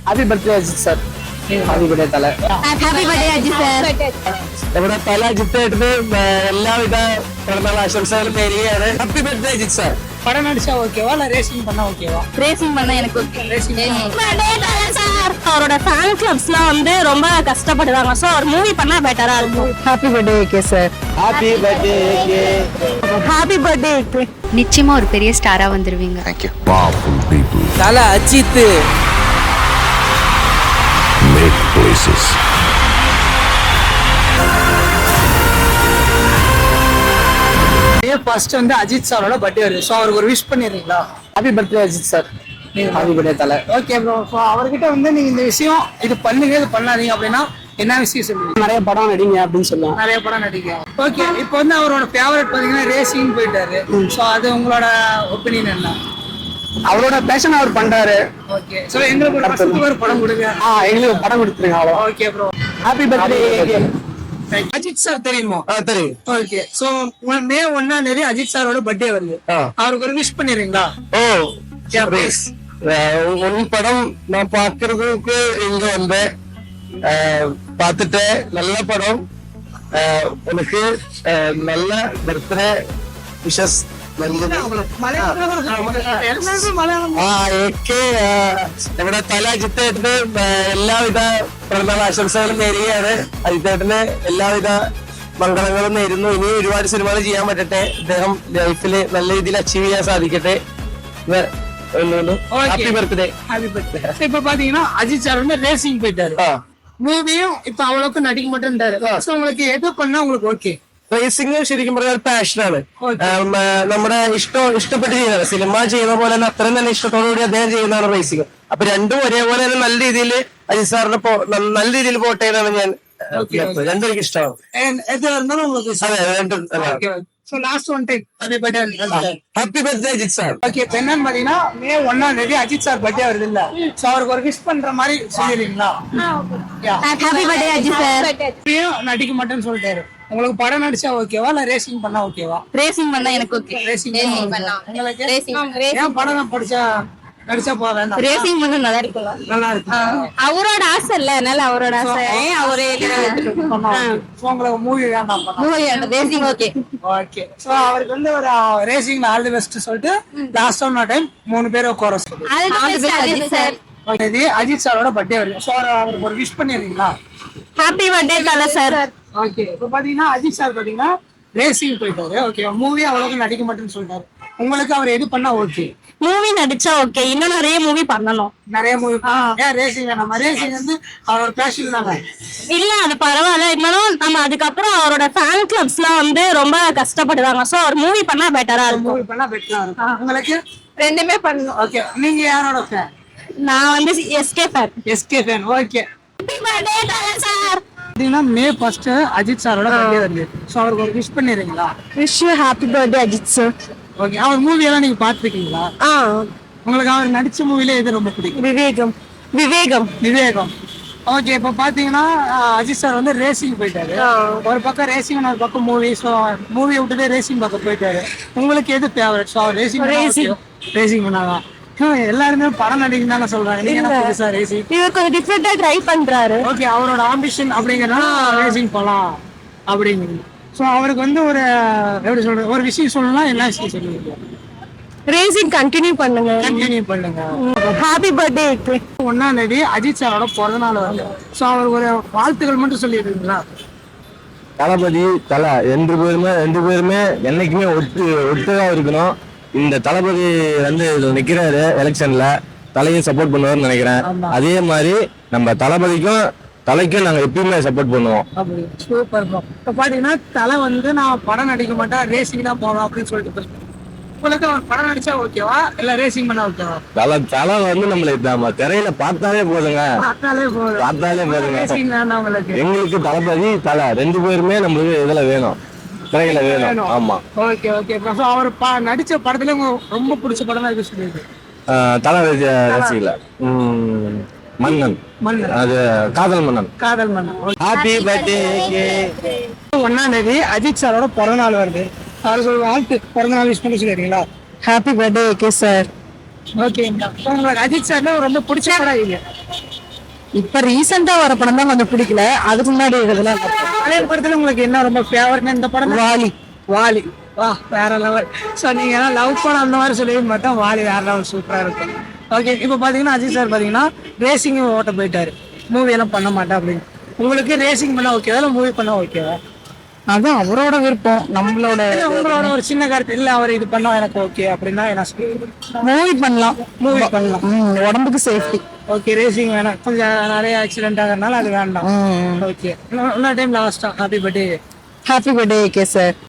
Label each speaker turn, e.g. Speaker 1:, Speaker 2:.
Speaker 1: Happy birthday Ajith sir. Happy birthday Thala.
Speaker 2: Happy birthday Ajith sir.
Speaker 1: നമ്മുടെ തല അജിത്തായിട്ട് എല്ലാവിധ പിറന്നാൾ ആശംസകളും നേരുകയാണ്. Happy birthday Ajith sir. படம் நடிச்சா ஓகேவா இல்ல ரேசிங் பண்ணா ஓகேவா?
Speaker 2: ரேசிங் பண்ணா எனக்கு ஓகே.
Speaker 1: ரேசிங்
Speaker 2: சார் அவரோட ஃபேன் கிளப்ஸ்லாம் வந்து ரொம்ப கஷ்டப்படுறாங்க. சோ ஒரு மூவி பண்ணா பெட்டரா இருக்கும்.
Speaker 1: Happy birthday AK sir. Happy birthday AK.
Speaker 2: Happy birthday AK.
Speaker 3: நிச்சயமா ஒரு பெரிய ஸ்டாரா வந்துருவீங்க.
Speaker 4: Thank you. Powerful people
Speaker 1: தல அஜித்.
Speaker 4: make places.
Speaker 1: ஃபர்ஸ்ட் வந்து அஜித் சாரோட பர்த்டே வருது. ஸோ அவருக்கு ஒரு விஷ் பண்ணிடுறீங்களா? Happy birthday Ajith sir. Happy birthday Thala. Okay bro. So அவர்கிட்ட வந்து நீங்க இந்த விஷயம் இது பண்ணுங்க இது பண்ணாதீங்க அப்படின்னா என்ன விஷயம் சொல்லுவீங்க? நிறைய படம் நடிங்க அப்படின்னு சொல்லுவாங்க. நிறைய படம் நடிங்க. ஓகே. இப்போ வந்து அவரோட ஃபேவரட் பாத்தீங்கன்னா ரேசிங் போயிட்டாரு. ஸோ அது உங்களோட ஒப்பீனியன் என்ன? அவரோட பேஷன் அவர் பண்றாரு. ஓகே. ஸோ எங்களுக்கு ஒரு படம் கொடுங்க. எங்களுக்கு படம் கொடுத்துருங்க. அவ்வளோ. Okay bro. Happy birthday. Ajith sir தெரியுமா? தெரியும். ஓகே. சோ மே 1 அஜித் சாரோட பர்த்டே வருது. அவருக்கு ஒரு விஷ் பண்ணிடுறீங்களா? உன் படம் நான் பாக்குறதுக்கு இங்க வந்தேன். பார்த்துட்டு நல்ல படம். உனக்கு நல்ல பர்த்டே விஷஸ். നമ്മുടെ തല അജിത്തേട്ടന് എല്ലാവിധ പിറന്നാൾ ആശംസകളും നേരുകയാണ്. അജിത്തേട്ടന് എല്ലാവിധ മംഗളങ്ങളും നേരുന്നു. ഇനി ഒരുപാട് സിനിമകൾ ചെയ്യാൻ പറ്റട്ടെ. അദ്ദേഹം ലൈഫില് നല്ല രീതിയിൽ അച്ചീവ് ചെയ്യാൻ സാധിക്കട്ടെ. Happy birthday. Happy birthday. இப்ப பாத்தீங்கன்னா அஜித் சார் வந்து ரேசிங் போயிட்டாரு. மூவியும் இப்ப அவ்வளவுக்கு நடிக்க மாட்டேன்ட்டாரு. உங்களுக்கு எது பண்ணா உங்களுக்கு ஓகே? റേസിംഗ് ശരിക്കും പറഞ്ഞാൽ പാഷനാണ്. നമ്മുടെ ഇഷ്ടപ്പെട്ട് ചെയ്യുന്നതാണ്. സിനിമ ചെയ്യുന്ന പോലെ തന്നെ അത്രയും തന്നെ ഇഷ്ടത്തോടുകൂടി അദ്ദേഹം ചെയ്യുന്നതാണ് റേസിംഗ്. അപ്പൊ രണ്ടും ഒരേപോലെ തന്നെ നല്ല രീതിയിൽ അജിത് സാറിന് നല്ല രീതിയിൽ പോട്ടെ എന്നാണ് ഞാൻ. രണ്ടും എനിക്ക് ഇഷ്ടമാണ്. Happy birthday Ajith sir. Okay. இப்ப என்னன்னு பாத்தீங்கன்னா மே 1 அஜித் சார் பர்த்டே வருது இல்ல? சோ அவருக்கு ஒரு விஷ் பண்ற மாதிரி சொல்லிடுறீங்களா?
Speaker 2: Happy birthday Ajith sir.
Speaker 1: நடிக்க மாட்டேன்னு சொல்லிட்டாரு. உங்களுக்கு படம் நடிச்சா ஓகேவா இல்ல ரேசிங் பண்ணா ஓகேவா?
Speaker 2: ரேசிங் பண்ணா எனக்கு ஓகே.
Speaker 1: ரேசிங் பண்ணா உங்களுக்கு ஏன் படம் நடிச்சா போவேன்?
Speaker 2: ரேசிங் பண்ணா நல்லா இருக்கும்ல?
Speaker 1: நல்லா இருக்கு.
Speaker 2: அவரோட ஆசை இல்ல, அதனால அவரோட ஆசை. அவரே
Speaker 1: உங்களுக்கு மூவி வேண்டாம்.
Speaker 2: மூவி வேண்டாம், ரேசிங் ஓகே.
Speaker 1: ஓகே. சோ அவருக்கு வந்து ஒரு ரேசிங்ல ஆல் தி பெஸ்ட் சொல்லிட்டு லாஸ்ட் டைம் 3 பேரை கோர சொல்லுங்க.
Speaker 2: All the best Ajith sir.
Speaker 1: Okay. இது அஜித் சாரோட பர்த்டே வருது. சோ அவருக்கு ஒரு விஷ் பண்ணிடுறீங்களா?
Speaker 2: Happy birthday Thala sir.
Speaker 1: Okay. இப்போ பாத்தீங்கன்னா அஜித் சார் பாத்தீங்கன்னா ரேசிங் போயிட்டாரு. ஓகே. மூவி அவ்வளவுக்கு நடிக்க மாட்டேன்னு சொல்லிட்டாரு. உங்களுக்கு அவர் எது பண்ணா ஓகே?
Speaker 2: மூவி நடிச்சா ஓகே. இன்னும் நிறைய மூவி பண்ணணும்.
Speaker 1: நிறைய மூவி. ஏன் ரேசிங் வேணாம்? ரேசிங் வந்து அவரோட பேஷன் தானே.
Speaker 2: இல்ல அது பரவாயில்ல. இருந்தாலும் நம்ம அதுக்கப்புறம் அவரோட ஃபேன் கிளப்ஸ்லாம் வந்து ரொம்ப கஷ்டப்படுறாங்க. சோ ஒரு மூவி பண்ணா பெட்டரா இருக்கும்.
Speaker 1: மூவி பண்ணா பெட்டரா இருக்கும். உங்களுக்கு
Speaker 2: ரெண்டுமே பண்ணணும்.
Speaker 1: ஓகே. நீங்க யாரோட ஃபேன்?
Speaker 2: நான் வந்து SK fan.
Speaker 1: SK fan. Okay.
Speaker 2: Happy birthday Thala sir.
Speaker 1: பாத்தீங்கன்னா மே 1 அஜித் சாரோட பர்த்டே வருது. சோ அவருக்கு ஒரு விஷ் பண்ணிடுறீங்களா?
Speaker 2: Wish you happy birthday Ajith sir.
Speaker 1: Okay. அவர் மூவி எல்லாம் நீங்க பாத்துருக்கீங்களா? உங்களுக்கு அவர் நடிச்ச மூவில எது ரொம்ப பிடிக்கும்?
Speaker 2: விவேகம்.
Speaker 1: விவேகம். ஓகே. இப்ப பாத்தீங்கன்னா அஜித் சார் வந்து ரேசிங் போயிட்டாரு. ஒரு பக்கம் ரேசிங், ஒரு பக்கம் மூவி. ஸோ மூவி விட்டுட்டு ரேசிங் பக்கம் போயிட்டாரு. உங்களுக்கு எது ஃபேவரட்? ஸோ அவர் ரேசிங் பண்ணாதான். எல்லாருமே படம் நடிக்கணும் தானே சொல்றாங்க. நீங்க என்ன புதுசா ரேசிங்?
Speaker 2: இவர் கொஞ்சம் டிஃபரெண்டா ட்ரை பண்றாரு.
Speaker 1: ஓகே. அவரோட ஆம்பிஷன் அப்படிங்கறதுனால ரேசிங் போலாம் அப்படிங்கிறது. ஸோ அவருக்கு வந்து ஒரு எப்படி சொல்றது, ஒரு விஷயம் சொல்லணும்னா என்ன விஷயம் சொல்லுவீங்க?
Speaker 2: ரேசிங் கண்டினியூ பண்ணுங்க. Happy birthday.
Speaker 1: 1 அஜித் சாரோட பிறந்த நாள் வருது. ஸோ அவருக்கு ஒரு வாழ்த்துக்கள் மட்டும் சொல்லிடுறீங்களா?
Speaker 5: தளபதி தலை ரெண்டு பேருமே என்னைக்குமே ஒட்டுதான் இருக்கணும். இந்த தளபதி வந்து நிக்கிறாரு எலெக்ஷன்ல, தலையும் சப்போர்ட் பண்ணுவாருன்னு நினைக்கிறேன். அதே மாதிரி நம்ம தலைக்கும் நாங்க எப்பயுமே சப்போர்ட் பண்ணுவோம்.
Speaker 1: சூப்பர். இப்ப பாத்தீங்கன்னா தலை வந்து நான் படம் நடிக்க மாட்டேன், ரேசிங் தான் போவேன் அப்படின்னு சொல்லிட்டு. உங்களுக்கு படம் நடிச்சா ஓகேவா இல்ல ரேசிங் பண்ணா ஓகேவா?
Speaker 5: தலை வந்து நம்ம திரையில பார்த்தாலே போதுங்க. எங்களுக்கு தளபதி தலை ரெண்டு பேருமே நம்மளுக்கு இதுல வேணும், திரையில வேணும். ஆமா.
Speaker 1: ஓகே. அவர் நடிச்ச படத்துல ரொம்ப பிடிச்ச படம் தான் சொல்லிருக்கு.
Speaker 5: தலை ரசிகல மன்னன். அது காதல் மன்னன். Happy birthday.
Speaker 1: 1 அஜித் சாரோட பிறந்த நாள் வருது. அவருக்கு ஒரு வாழ்த்து, பிறந்த நாள் விஷ் பண்ணி சொல்லிடுறீங்களா?
Speaker 2: Happy birthday okay sir.
Speaker 1: Okay. உங்களுக்கு அஜித் சார்ல ரொம்ப பிடிச்ச படம் இது?
Speaker 6: இப்ப ரீசெண்டா வர படம் தான் கொஞ்சம் பிடிக்கல, அதுக்கு முன்னாடி இதெல்லாம்
Speaker 1: பழைய படத்துல உங்களுக்கு என்ன ரொம்ப ஃபேவரட்னா இந்த படம்
Speaker 6: வாலி.
Speaker 1: வாலி வா வேற லெவல். ஸோ நீங்க லவ் படம் அந்த மாதிரி சொல்லவே மாட்டோம், வாலி வேற லெவல் சூப்பரா இருக்கும். ஓகே, இப்போ பாத்தீங்கன்னா அஜித் சார் பாத்தீங்கன்னா ரேசிங் ஓட்ட போயிட்டாரு, மூவி எல்லாம் பண்ண மாட்டேன் அப்படின்னு. உங்களுக்கு ரேசிங் பண்ண ஓகேவா இல்லை மூவி பண்ண ஓகேவா?
Speaker 6: அதான் அவரோட விருப்பம். நம்மளோட
Speaker 1: உங்களோட ஒரு சின்ன கருத்து இல்லை அவர் இது பண்ணா எனக்கு ஓகே அப்படின்னா என்ன சொல்லுவீங்க?
Speaker 6: மூவி பண்ணலாம்.
Speaker 1: மூவி பண்ணலாம்.
Speaker 6: உடம்புக்கு சேஃப்டி.
Speaker 1: ஓகே, ரேசிங் வேணாம், கொஞ்சம் நிறைய ஆக்சிடென்ட் ஆகிறதுனால அது வேண்டாம். ஓகே, இன்னொரு டைம் லாஸ்டா happy birthday.
Speaker 6: Happy birthday K sir.